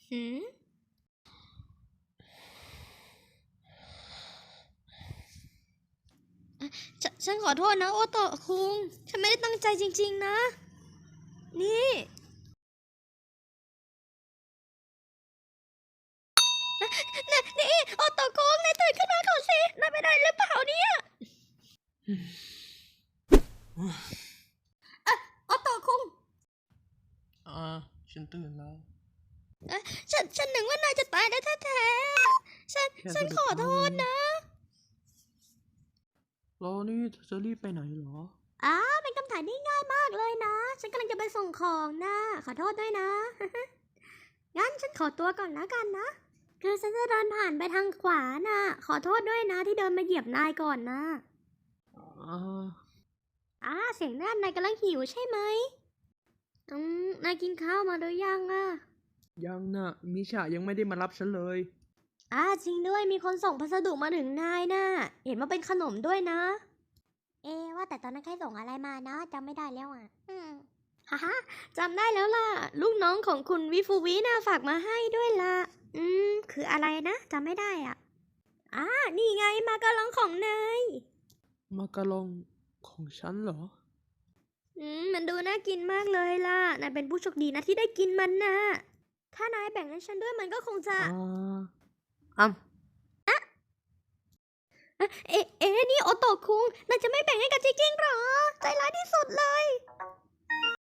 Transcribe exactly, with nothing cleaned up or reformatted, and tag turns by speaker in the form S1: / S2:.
S1: หืมฉนฉันขอโทษนะโอโตะคุง ฉันไม่ได้ตั้งใจจริงๆนะ นี่นี่นี่โอโตะคุงนายตื่นขึ้นมาก่อนสินายไปได้หรือเปล่าเนี่ยเอะโอโตะคุง
S2: อ่าฉันตื่นแล้ว
S1: เอ๊ะฉันฉันนึกว่านายจะตายได้แท้ๆฉัน
S2: แค่
S1: ฉัน
S2: สะดุ
S1: ขอโท
S2: ดมือ
S1: ษนะ
S2: แล้วนี่เธอจะรีบไปไหนเหรอ
S1: อ้าเป็นคำถามที่ง่ายมากเลยนะ ฉันกำลังจะไปส่งของนะ ขอโทษด้วยนะ งั้นฉันขอตัวก่อนแล้วกันนะ คือฉันจะเดินผ่านไปทางขวาน่ะ ขอโทษด้วยนะที่เดินมาเหยียบนายก่อนนะ
S2: อ่า
S1: อ่าเสียงนั่นนายกำลังหิวใช่ไหมอืมนายกินข้าวมาหรือยังอะ
S2: ยังน่ะมิชายังไม่ได้มารับฉันเลย
S1: อ่าจริงด้วยมีคนส่งพัสดุมาถึงนายน่ะ เห็นว่าเป็นขนมด้วยนะ เอะว่าแต่ตอนนั้นใครส่งอะไรมานะจำไม่ได้แล้วอ่ะ อืมฮ่าฮ่าจำได้แล้วล่ะ ลูกน้องของคุณวิฟูวิน่ะฝากมาให้ด้วยล่ะ อืม คืออะไรนะจำไม่ได้อ่ะอ่านี่ไงมากะลองของนาย
S2: มากะลองของฉันเหรอ
S1: อืม มันดูน่ากินมากเลยล่ะ นายเป็นผู้โชคดีนะที่ได้กินมันนะถ้านายแบ่งให้ฉันด้วยมันก็คงจะ
S2: อ่าอ้ำ
S1: เอ๊ะเอ๊ะนี่โอโตะคุงนายจะไม่แบ่งให้กันจริงๆหรอ ใจร้ายที่สุดเลย